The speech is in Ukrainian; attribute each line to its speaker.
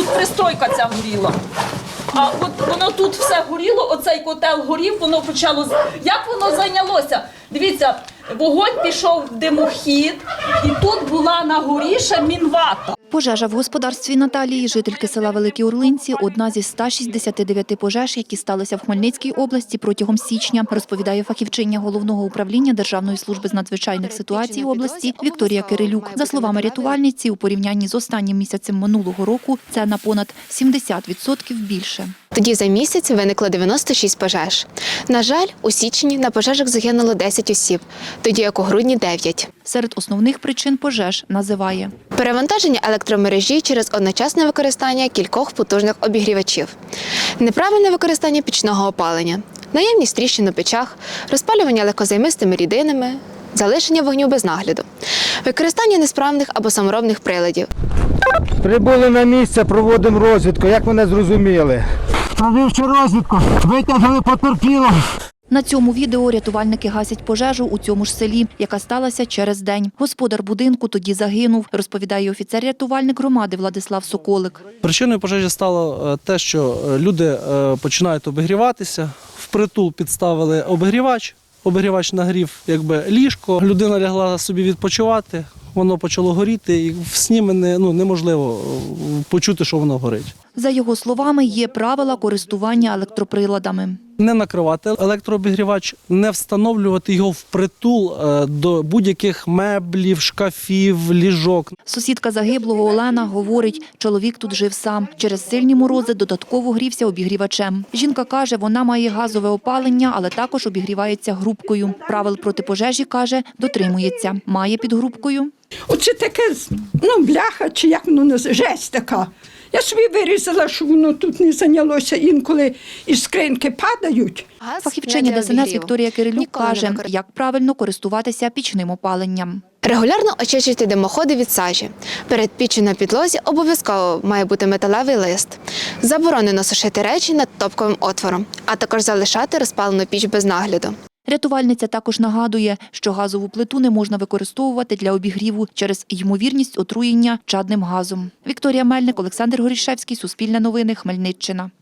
Speaker 1: пристройка ця горіла. А от воно тут все горіло, оцей котел горів, воно почало... Як воно зайнялося? Дивіться, вогонь пішов в димохід, і тут була на горі ще мінвата.
Speaker 2: Пожежа в господарстві Наталії, жительки села Великі Урлинці, одна зі 169 пожеж, які сталися в Хмельницькій області протягом січня, розповідає фахівчиня Головного управління Державної служби з надзвичайних ситуацій області Вікторія Кирилюк. За словами рятувальниці, у порівнянні з останнім місяцем минулого року це на понад 70% більше.
Speaker 3: Тоді за місяць виникло 96 пожеж. На жаль, у січні на пожежах загинуло 10 осіб, тоді як у грудні – 9.
Speaker 2: Серед основних причин пожеж називає
Speaker 3: Перевантаження електромережі через одночасне використання кількох потужних обігрівачів, неправильне використання пічного опалення, наявність тріщин у печах, розпалювання легкозаймистими рідинами, залишення вогню без нагляду, використання несправних або саморобних приладів.
Speaker 4: Прибули на місце, проводимо розвідку. Як мене зрозуміли? Провівши розвідку, витягли потерпілого.
Speaker 2: На цьому відео рятувальники гасять пожежу у цьому ж селі, яка сталася через день. Господар будинку тоді загинув, розповідає офіцер-рятувальник громади Владислав Соколик.
Speaker 5: Причиною пожежі стало те, що люди починають обігріватися, впритул підставили обігрівач нагрів ліжко, людина лягла собі відпочивати, воно почало горіти і в сні неможливо почути, що воно горить.
Speaker 2: За його словами, є правила користування електроприладами.
Speaker 5: Не накривати електрообігрівач, не встановлювати його впритул до будь-яких меблів, шкафів, ліжок.
Speaker 2: Сусідка загиблого Олена говорить, чоловік тут жив сам. Через сильні морози додатково грівся обігрівачем. Жінка каже, вона має газове опалення, але також обігрівається грубкою. Правил проти пожежі, каже, дотримується. Має під грубкою.
Speaker 6: Оце таке, бляха, чи як воно називається, жесть така. Я собі вирізала, щоб воно тут не зайнялося, інколи із скриньки падають.
Speaker 2: Фахівчиня ДСНС Вікторія Кирилюк каже, як правильно користуватися пічним опаленням.
Speaker 3: Регулярно очищуйте димоходи від сажі. Перед піччю на підлозі обов'язково має бути металевий лист. Заборонено сушити речі над топковим отвором, а також залишати розпалену піч без нагляду.
Speaker 2: Рятувальниця також нагадує, що газову плиту не можна використовувати для обігріву через ймовірність отруєння чадним газом. Вікторія Мельник, Олександр Горішевський, Суспільне новини, Хмельниччина.